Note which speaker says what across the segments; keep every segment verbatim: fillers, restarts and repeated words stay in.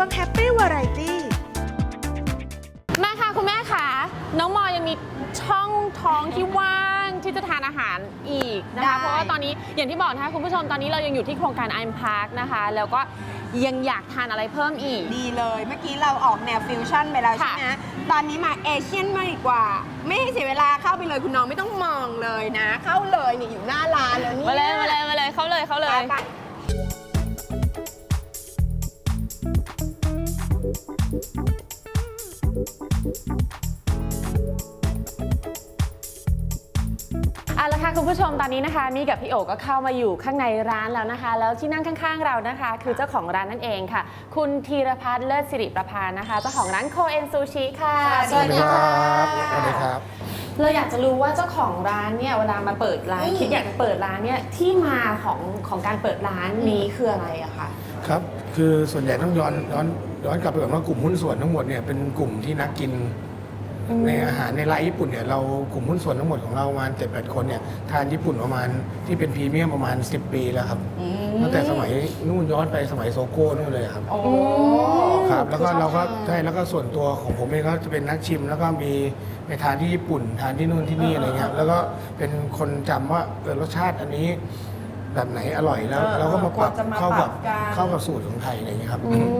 Speaker 1: ง Happy Variety
Speaker 2: มาค่ะคุณแม่ค่ะน้องมอยังมีช่องท้องที่ว่างที่จะทานอาหารอีกนะคะเพราะว่าตอนนี้อย่างที่บอกนะคะคุณผู้ชมตอนนี้เรายังอยู่ที่โครงการ ไอ เอ็ม Park นะคะแล้วก็ยังอยากทานอะไรเพิ่มอีก
Speaker 3: ดีเลยเมื่อกี้เราออกแนวฟิวชั่นไปแล้วใช่ไหมตอนนี้มาเอเชียนมากดีกว่าไม่ให้เสียเวลาเข้าไปเลยคุณน้องไม่ต้องมองเลยนะ เข้าเลยนี่อยู่หน้าร้านแล้วนี่
Speaker 2: มาเลยมาเลยมาเลยเข้าเลยเข้าเลยเอาละค่ะคุณผู้ชมตอนนี้นะคะนี่กับพี่โอก็เข้ามาอยู่ข้างในร้านแล้วนะคะแล้วที่นั่งข้างๆเรานะคะคือเจ้าของร้านนั่นเองค่ะคุณธีรพัฒน์เลิศสิริประภานะคะเจ้าของร้านโคเอ็นซูชิค่ะ
Speaker 4: สวัสดีครับสวัสดีครับ
Speaker 2: เราอยากจะรู้ว่าเจ้าของร้านเนี่ยเวลามาเปิดร้านคิดอยากจะเปิดร้านเนี่ยที่มาของของการเปิดร้านนี้คืออะไรอะคะ
Speaker 4: ครับคือส่วนใหญ่ต้องย้อนย้อนย้อนกลับไปก่อนว่ากลุ่มหุ้นส่วนทั้งหมดเนี่ยเป็นกลุ่มที่นักกินในอาหารในร้านญี่ปุ่นเนี่ยเรากลุ่มหุ้นส่วนทั้งหมดของเราประมาณเจ็ดแปดคนเนี่ยทานญี่ปุ่นประมาณที่เป็นพรีเมียมประมาณสิบปีแล้วครับตั้งแต่สมัยนู่นย้อนไปสมัยโซโก้นู่นเลยครับครับแล้วก็เราก็ใช่แล้วก็ส่วนตัวของผมเองก็จะเป็นนักชิมแล้วก็มีไปทานที่ญี่ปุ่นทานที่นู่นที่นี่อะไรเงี้ยแล้วก็เป็นคนจำว่าเออรสชาติอันนี้แบบไหนอร่อยแล้วเราก็มาปรับเข้ากับเข้ากับสูตรของไทยอะไรเงี้ยครับ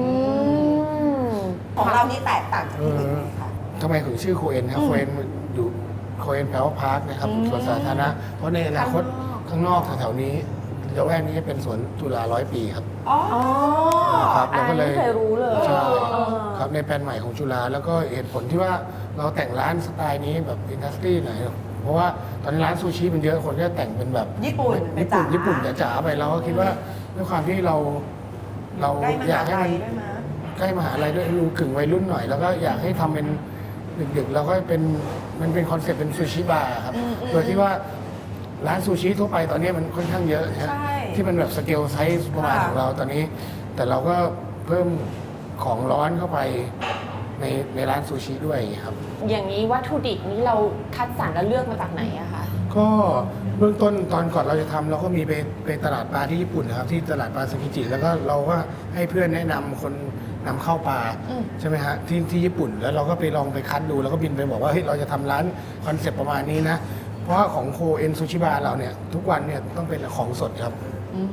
Speaker 3: ของเรานี่แตกต่างจากที่อื่นค่ะ
Speaker 4: ทำไมถึงชื่อโคเอ็นครับโคเอ็นอยู่โคเอ็นแปลว่าพาร์คนะครับสวนสาธารณะเพราะในอนาคตข้างนอกแถวๆนี้ละแวกนี้จะเป็นสวนจุฬาร้อยปีครับ
Speaker 2: อ๋อ
Speaker 4: ครับเราก็เลย
Speaker 2: ไม่เคยรู้เลย
Speaker 4: ใช่ครับในแผนใหม่ของจุฬาแล้วก็เหตุผลที่ว่าเราแต่งร้านสไตล์นี้แบบอินดัสทรีหน่อยเพราะว่าตอนนี้ร้านซูชิมันเยอะคนก็แต่งเป็นแบบ
Speaker 3: ญี่ปุ่น
Speaker 4: ญี่ปุ่นญี่ปุ่นจ๋าๆไปเราก็คิดว่าด้วยความที่เราเราอยากให้มันใกล้มหาลัยด้วยดูกึ่งวัยรุ่นหน่อยแล้วก็อยากให้ทำเป็นดึกๆแล้วก็เป็นมันเป็นคอนเซ็ปต์เป็นซูชิบาร์ครับโดยที่ว่าร้านซูชิทั่วไปตอนนี้มันค่อนข้างเยอะนะที่มันแบบสเกลไซส์ประมาณของเราตอนนี้แต่เราก็เพิ่มของร้อนเข้าไปในในร้านซูชิด้วยครับ
Speaker 2: อย่างนี้วัตถุดิบนี้เราคัดสรรและเลือกมาจากไหนอะคะ
Speaker 4: ก็เบื้องต้นตอนก่อนเราจะทำเราก็มีไปไปตลาดปลาที่ญี่ปุ่นนะครับที่ตลาดปลาซึกิจิแล้วก็เราก็ให้เพื่อนแนะนำคนนำเข้าปลาใช่ไหมฮะที่ที่ญี่ปุ่นแล้วเราก็ไปลองไปคัดดูแล้วก็บินไปบอกว่าเฮ้ยเราจะทำร้านคอนเซ็ปต์ประมาณนี้นะเพราะว่าของโคเอ็นซูชิบาร์เราเนี่ยทุกวันเนี่ยต้องเป็นของสดครับ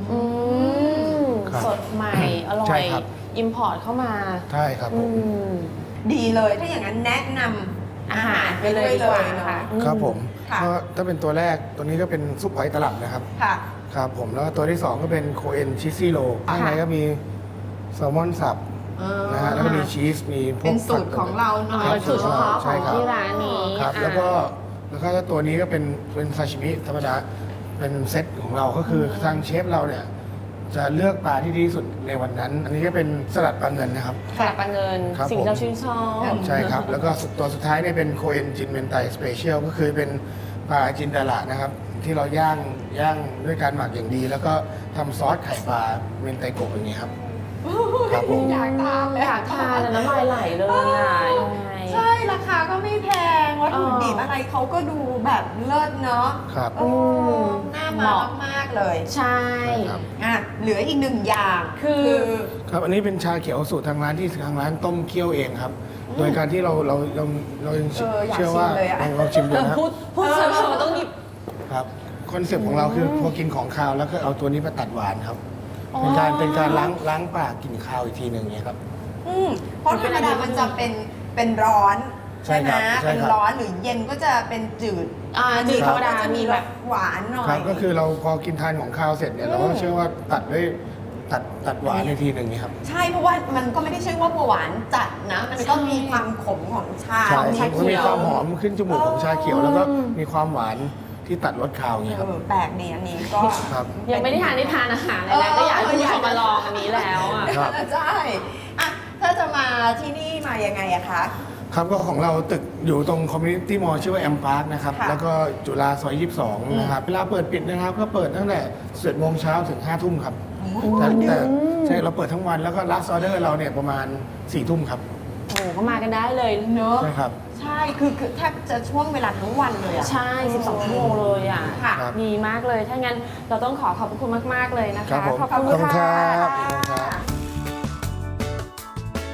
Speaker 2: สดใหม่อร่อยอิมพอร์ตเข้ามา
Speaker 4: ใช่ครับ
Speaker 3: ดีเลยถ้าอย่างนั้นแนะนำอาหารไปเลยดีกว่านะคะ
Speaker 4: ครับผมก็ถ้าเป็นตัวแรกตัวนี้ก็เป็นซุปหอยตลับนะครับครับผมแล้วตัวที่สองก็เป็นโคเอ็นชิซี่โรข้างในก็มีแซลมอนสับนะฮะแล้วก็มีชีสมีพวก
Speaker 3: เป็นสูตรของเราเนาะ
Speaker 2: สูตรเฉพาะของที่ร้านนี้
Speaker 4: ครับแล้วก็แล้วก็ตัวนี้ก็เป็นเป็นซาชิมิธรรมดาเป็นเซตของเราก็คือทางเชฟเราเนี่ยจะเลือกปลาที่ดีที่สุดในวันนั้นอันนี้ก็เป็นสลัดปลาเงินนะครับ
Speaker 2: สลัดปลาเงินสิ่งที่เราชื่นชอบ
Speaker 4: ใช่ครับแล้วก็ตัวสุดท้ายเนี่ยเป็นโคเอ็นจินเมนไตสเปเชียลก็คือเป็นปลาจินดาระนะครับที่เราย่างย่างด้วยการหมักอย่างดี แล้วก็ทำซอสไข่ปลาเมนไตโกะอย่างนี้ครับ
Speaker 3: ครับผมอยากทานเลย
Speaker 2: อยากทานแล้วน้ำลายไหลเลยอ่ะ
Speaker 3: ใช่ราคาก็ไม่แพงวัตถุดิบอะไรเขาก็ดูแบบเลิศเนาะ
Speaker 4: ครับ
Speaker 3: น่ามามากๆเลย
Speaker 2: ใช่
Speaker 3: อ่ะเหลืออีกหนึ่งอย่างคือ
Speaker 4: ครับอันนี้เป็นชาเขียวสูตรทางร้านที่ทางร้านต้มเคี่ยวเองครับโดยการที่เราเราเราเราเชื่อว่าเราชิมดูนะ
Speaker 2: พูดพูดเสมอต้องหยิบ
Speaker 4: ครับคอนเซ็ปต์ของเราคือพอกินของคาวแล้วก็เอาตัวนี้มาตัดหวานครับเป็นการเป็นการล้างล้างปากกินข้าวอีกทีหนึ่งเนี่ยครับ
Speaker 3: อืมเพราะธรรมดามันจะเป็นเป็นร้อนใช่ไหมเป็นร้อนหรือเย็นก็จะเป็นจืด
Speaker 2: อ่าจืดธรรมดา
Speaker 3: จะมีแบบหวานหน่อย
Speaker 4: ครับก็คือเราพอกินทานของข้าวเสร็จเนี่ยเราก็เชื่อว่าตัดด้วยตัดตัดหวานในทีหนึ่งนี่ครับ
Speaker 3: ใช่เพราะว่ามันก็ไม่ได้ใช่ว่าหวานจัดนะมันก็มีความขมของชา
Speaker 4: ของชาเขียวมีความหอมขึ้นจมูกของชาเขียวแล้วก็มีความหวานที่ตัดรสคาวอย่างนี้ครับ
Speaker 3: แปลกดีอันนี้ก็
Speaker 2: ยังไม่ได้ทานได้ทานอาหารเลยนะก็อยากให้คุณผู้ชมมาลองอันนี้แล้วอ่ะ
Speaker 3: ใช่อ่ะถ้าจะมาที่นี่มายังไงอะคะ
Speaker 4: ครับก็ของเราตึกอยู่ตรงคอมมิวนิตี้มอลล์ชื่อว่าแอมพาร์คนะครับแล้วก็จุฬาซอยยี่สิบสองนะครับเวลาเปิดปิดนะครับก็เปิดตั้งแต่สิบโมงเช้าถึงห้าทุ่มครับแต่แต่ใช่เราเปิดทั้งวันแล้วก็ลัสออเดอร์เราเนี่ยประมาณสี่ทุ่มครับ
Speaker 2: โอ้ก็มากันได้เลยเนอะ
Speaker 4: ใช่ครับ
Speaker 3: ใช่คือคือแทบจะช่วงเวลาทั้งวันเลยอ่ะ
Speaker 2: ใช่สิบสองชั่วโมงเลยอ่ะดีมากเลยถ้างั้นเราต้องขอขอบคุณมากๆเลยนะคะ
Speaker 4: ขอบคุณค่ะ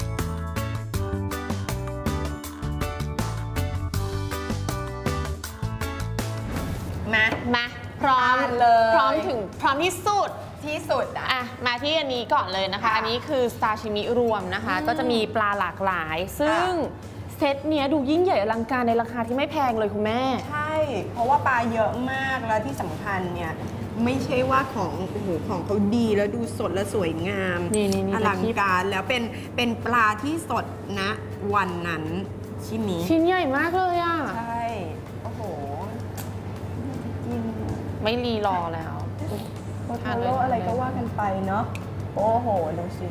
Speaker 3: เลย
Speaker 2: พร้อมถึงพร้อมที่สุด
Speaker 3: ที่สุดอ่ะ
Speaker 2: อ่ะมาที่อันนี้ก่อนเลยนะคะ
Speaker 3: ค่ะ
Speaker 2: อันนี้คือซาชิมิรวมนะคะ
Speaker 3: อืม
Speaker 2: ก็จะมีปลาหลากหลาย ซึ่งเซตเนี้ยดูยิ่งใหญ่อลังการในราคาที่ไม่แพงเลยคุณแม่
Speaker 3: ใช่ เพราะว่าปลาเยอะมากแล้วที่สำคัญเนี่ยไม่ใช่ว่าของโอ้โหของเขาดีแล้วดูสดและสวยงาม
Speaker 2: นี่นี่นี่
Speaker 3: อลังการแล้วเป็นเป็นปลาที่สดนะวันนั้นชิ้นนี้
Speaker 2: ชิ้นใหญ่มากเลยอ่ะ
Speaker 3: ใช่โอ้โหกิน
Speaker 2: ไม่รีรอแล้ว
Speaker 3: โอทาโร่อะไรก็ว่ากันไปเนาะโอ้โหดูสิ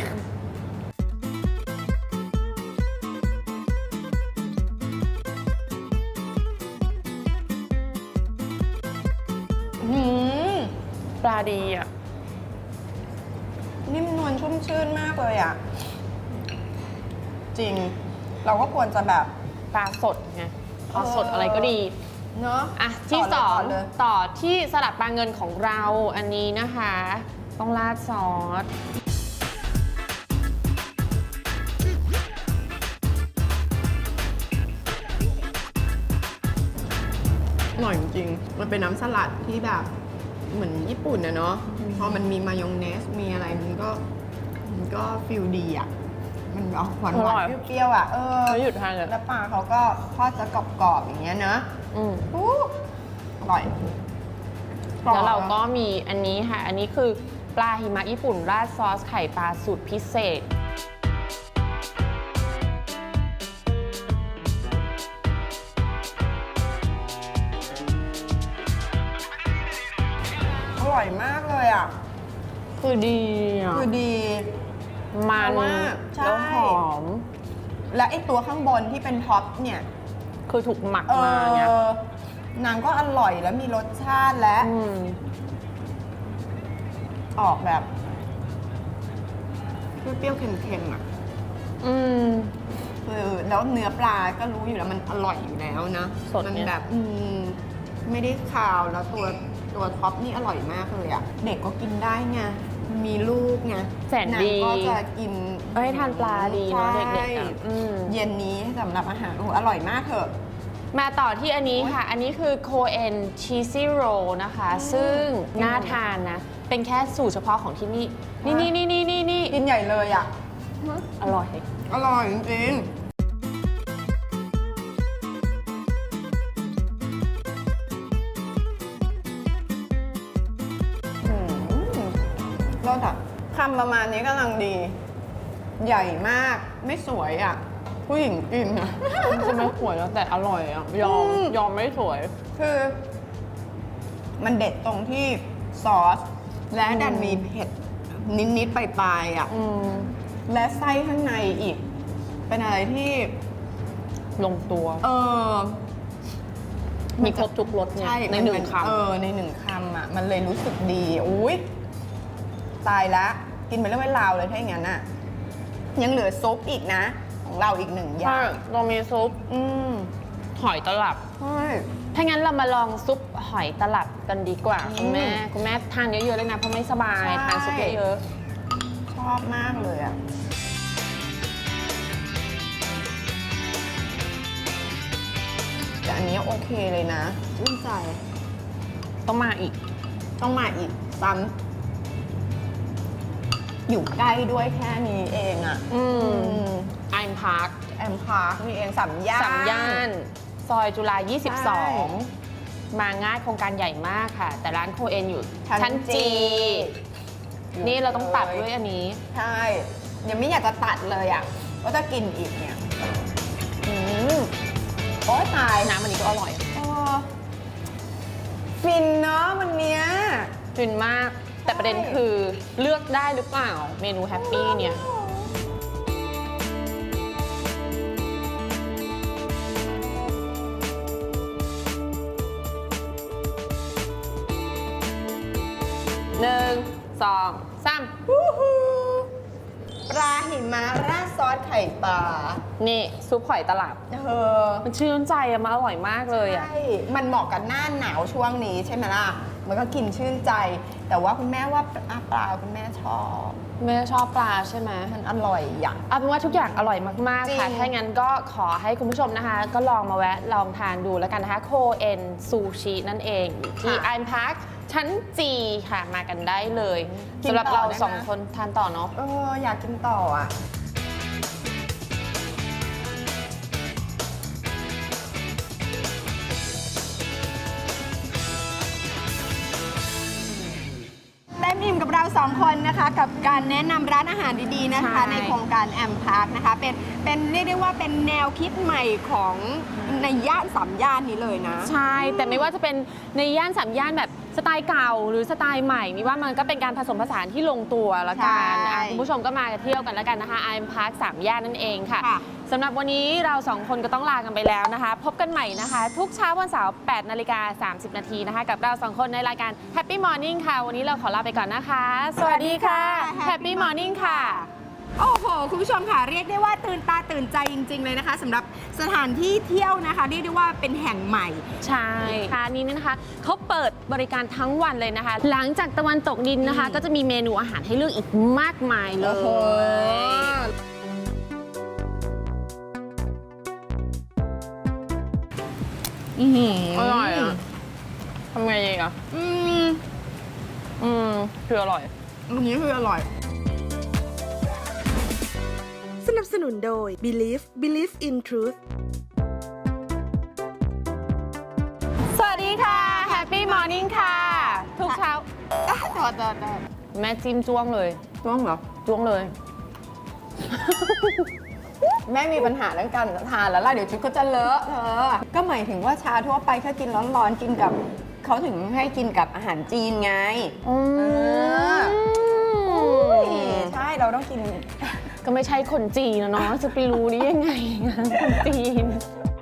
Speaker 3: หืม
Speaker 2: ปลาดีอ่ะ
Speaker 3: นิ่มนวลชุ่มชื่นมากเลยอ่ะ จริง เราก็ควรจะแบบ
Speaker 2: ปลาสดไงปลาสดอะไรก็ดี
Speaker 3: เนาะ
Speaker 2: อ่ะที่
Speaker 3: ต่
Speaker 2: สอง
Speaker 3: เลย
Speaker 2: ต่อที่สลัดปลาเงินของเราอันนี้นะคะ ต้องราดซอส
Speaker 3: อร่อยจริงๆมันเป็นน้ำสลัดที่แบบเหมือนญี่ปุ่นนะเนาะพอมันมีมายองเนสมีอะไรมันก็มันก็ฟิลดีอ่ะ มันออกหวานหวานเปรี้ยวๆอ่ะเออ
Speaker 2: ไม่หยุดทานเลย
Speaker 3: แล้วปลาเขาก็ทอดจะกรอบๆอย่างเงี้ยเนอะ
Speaker 2: อืม
Speaker 3: อู้อร่อย
Speaker 2: แล้วเราก็มีอันนี้ค่ะ อันนี้คือปลาหิมะญี่ปุ่นราดซอสไข่ปลาสูตรพิเศษ
Speaker 3: อร่อยมากเลยอ่ะ
Speaker 2: คือดีอ่ะ
Speaker 3: คือดี
Speaker 2: มัน
Speaker 3: เพราะว่าใช่
Speaker 2: แล้วหอม
Speaker 3: และไอตัวข้างบนที่เป็นท็อปเนี่ย
Speaker 2: คือถูกหมัก
Speaker 3: เอ
Speaker 2: มาไง
Speaker 3: อนางก็อร่อยแล้วมีรสชาติและ
Speaker 2: อืม
Speaker 3: ออกแบบเปรี้ยวๆเค็มๆอ่ะ
Speaker 2: อืม
Speaker 3: คือแล้วเนื้อปลาก็รู้อยู่แล้วมันอร่อยอยู่แล้วนะ
Speaker 2: สด
Speaker 3: มัน
Speaker 2: เนี่ย
Speaker 3: แบบอืมไม่ได้คาวแล้วตัวตัวท็อปนี่อร่อยมากเลยอ่ะ เด็กก็กินได้ไงมีลูกไง
Speaker 2: แสนดี
Speaker 3: างก็จะกิน
Speaker 2: เอ้ยทานปลาดีเนาะ
Speaker 3: ใช่
Speaker 2: เด็กๆอ่ะอืม
Speaker 3: เย็นนี้สำหรับอาหารโอ้โหอร่อยมากเถอะ
Speaker 2: มาต่อที่อันนี้ค่ะ อันนี้คือโคเอนชีซี่โรนะคะ
Speaker 3: อืม
Speaker 2: ซึ่งน่าทานนะ เป็นแค่สูตรเฉพาะของที่นี่ นี่นี่นี่นี่นี่นี่
Speaker 3: กินใหญ่เลยอ่ะ
Speaker 2: อร่อย
Speaker 3: อร่อยจริงๆอืมรสอะคำประมาณนี้กำลังดี ใหญ่มากไม่สวยอ่ะ ผู้หญิงกินอะ
Speaker 2: จะไม่สวยแล้วแต่อร่อยอ่ะ ยอม
Speaker 3: อืม
Speaker 2: ยอมไม่สวย
Speaker 3: คือ มันเด็ดตรงที่ซอส และดันมีเผ็ดนิด ๆ ปลาย ๆ อ่ะ
Speaker 2: อืม
Speaker 3: และไส้ข้างในอีก เป็นอะไรที่
Speaker 2: ลงตัว
Speaker 3: เออ
Speaker 2: มีครบทุกรสเนี่ย
Speaker 3: ใช่
Speaker 2: ใน
Speaker 3: มั
Speaker 2: หนึ่ง
Speaker 3: มั
Speaker 2: คำ
Speaker 3: เออ ในหนึ่งคำอ่ะ มันเลยรู้สึกดี อุ้ยตายละ กินไปเรื่องเวลาวเลยถ้าอย่างนั้นอ่ะ ยังเหลือซุปอีกนะ ของเราอีกหนึ่งอย่า
Speaker 2: ใช่
Speaker 3: ง
Speaker 2: เรามีซุป
Speaker 3: อืม
Speaker 2: หอยตลับ
Speaker 3: ใช่
Speaker 2: ถ้างั้นเรามาลองซุปหอยตลับกันดีกว่า
Speaker 3: อืม
Speaker 2: คุณแม่ คุณแม่ทานเยอะๆเลยนะ เพราะไม่สบาย
Speaker 3: ใช่
Speaker 2: ทานซุปเยอะ
Speaker 3: ชอบมากเลยอ่ะ แต่อันนี้โอเคเลยนะชื่นใจ
Speaker 2: ๆต้องมาอีก
Speaker 3: ต้องมาอีกซ้ำอยู่ใกล้ด้วยแค่นี้เองอ่ะ
Speaker 2: อืม
Speaker 3: อืม
Speaker 2: ไอมพาร์ค
Speaker 3: แอมพาร์คนี่เองสามย่าน
Speaker 2: สามย่าน ซอยจุฬา
Speaker 3: ใช่
Speaker 2: ยี่สิบสอง มาง่ายโครงการใหญ่มากค่ะ แต่ร้านโคเอนอยู่
Speaker 3: ชั้น
Speaker 2: ชั้น
Speaker 3: จี
Speaker 2: จี
Speaker 3: อยู่
Speaker 2: นี่เราต้องตัด
Speaker 3: เลย
Speaker 2: ด้วยอันนี้
Speaker 3: ใช่ยังไม่อยากจะตัดเลยอ่ะก็จะกินอีกเนี่ยอืมโอ้ยตาย
Speaker 2: น้ำอันนี้ก็อร่อย
Speaker 3: เออฟินเนาะวันเนี้ย
Speaker 2: ฟินมาก แต่ประเด็นคือเลือกได้หรือเปล่า เมนูแฮปปี้เนี่ย หนึ่ง สอง สาม
Speaker 3: วู้ฮู้ปลาหิมะราดซอสไข่ปลา
Speaker 2: นี่ซุปหอยตลับ
Speaker 3: เออ
Speaker 2: มันชื่นใจอะมันอร่อยมากเลยอะ
Speaker 3: ใช่ มันเหมาะกับหน้าหนาวช่วงนี้ใช่ไหมล่ะมันก็กินชื่นใจ แต่ว่าคุณแม่ว่าปลาปลาคุณแม่ชอบ
Speaker 2: แม่ชอบปลาใช่ไหม
Speaker 3: มันอร่อยอย่าง
Speaker 2: เอาเป็นว่าทุกอย่างอร่อยมาก
Speaker 3: จริ
Speaker 2: ๆ
Speaker 3: ง
Speaker 2: ค่ะ ถ้างั้นก็ขอให้คุณผู้ชมนะคะ ก็ลองมาแวะลองทานดูแล้วกันนะคะโคเอ็นซูชินั่นเองอยู่ที่ไอ เอ็ม Park ชั้น จี ค่ะมากันได้เลยสำหรับเราสองคนทานต่อเนาะ
Speaker 3: เอออยากกินต่ออ่ะ เต็มอิ่มกับเราสองคนนะคะ กับการแนะนำร้านอาหารดีๆนะคะ
Speaker 2: ใช่
Speaker 3: ในโครงการแอมพาร์คนะคะ เป็นเป็นเรียกได้ว่าเป็นแนวคิดใหม่ของในย่านสามย่านนี้เลยนะ
Speaker 2: ใช่ แต่ไม่ว่าจะเป็นในย่านสามย่านแบบสไตล์เก่าหรือสไตล์ใหม่มีว่ามันก็เป็นการผสมผสานที่ลงตัวแล้วกัน
Speaker 3: ใช่
Speaker 2: อ่ะคุณผู้ชมก็มาเที่ยวกันแล้วกันนะคะ ไอ เอ็ม Park สามย่านนั่นเองค่ะ
Speaker 3: ค่ะ
Speaker 2: สำหรับวันนี้เราสองคนก็ต้องลากันไปแล้วนะคะ พบกันใหม่นะคะ ทุกเช้าวันเสาร์แปดนาฬิกาสามสิบนาทีนะคะ กับเราสองคนในรายการ Happy Morning ค่ะ วันนี้เราขอลาไปก่อนนะคะ สวัสดีค่ะ Happy Morning ค่ะ
Speaker 3: โอ้โห คุณผู้ชมค่ะ เรียกได้ว่าตื่นตาตื่นใจจริง ๆ เลยนะคะสำหรับสถานที่เที่ยวนะคะ เรียกได้ว่าเป็นแห่งใหม่
Speaker 2: ใช่ค่ะนี้นะคะเขาเปิดบริการทั้งวันเลยนะคะ หลังจากตะวันตกดินนะคะ ก็จะมีเมนูอาหารให้เลือกอีกมากมายเล
Speaker 3: โอ้โห
Speaker 2: ย
Speaker 3: อื้อหือ
Speaker 2: อร่อยอ่ะทำไงดีอ่ะ
Speaker 3: อืม
Speaker 2: อืมคืออร่อย
Speaker 3: อันนี้คืออร่อย
Speaker 1: สนับสนุนโดย Believe Believe in Truth
Speaker 2: สวัสดีค่ะ Happy Morning ค่ะ ทุกเช้า
Speaker 3: ต่อต่อต่อ
Speaker 2: แม่จิ้มจ้วงเลย
Speaker 3: ช่วงเหรอ
Speaker 2: จ้วงเลย
Speaker 3: แม่มีปัญหาเรื่องการทานแล้วล่ะ เดี๋ยวชุดก็จะเลอะเธอ ก็หมายถึงว่าชาทั่วไปถ้ากินร้อนๆ กินกับเขาถึงให้กินกับอาหารจีนไง
Speaker 2: อืม
Speaker 3: อุ้ยใช่ เราต้องกิน
Speaker 2: ก็ไม่ใช่คนจีนนะเนาะจะไปรู้ได้ยังไงงานคนจีน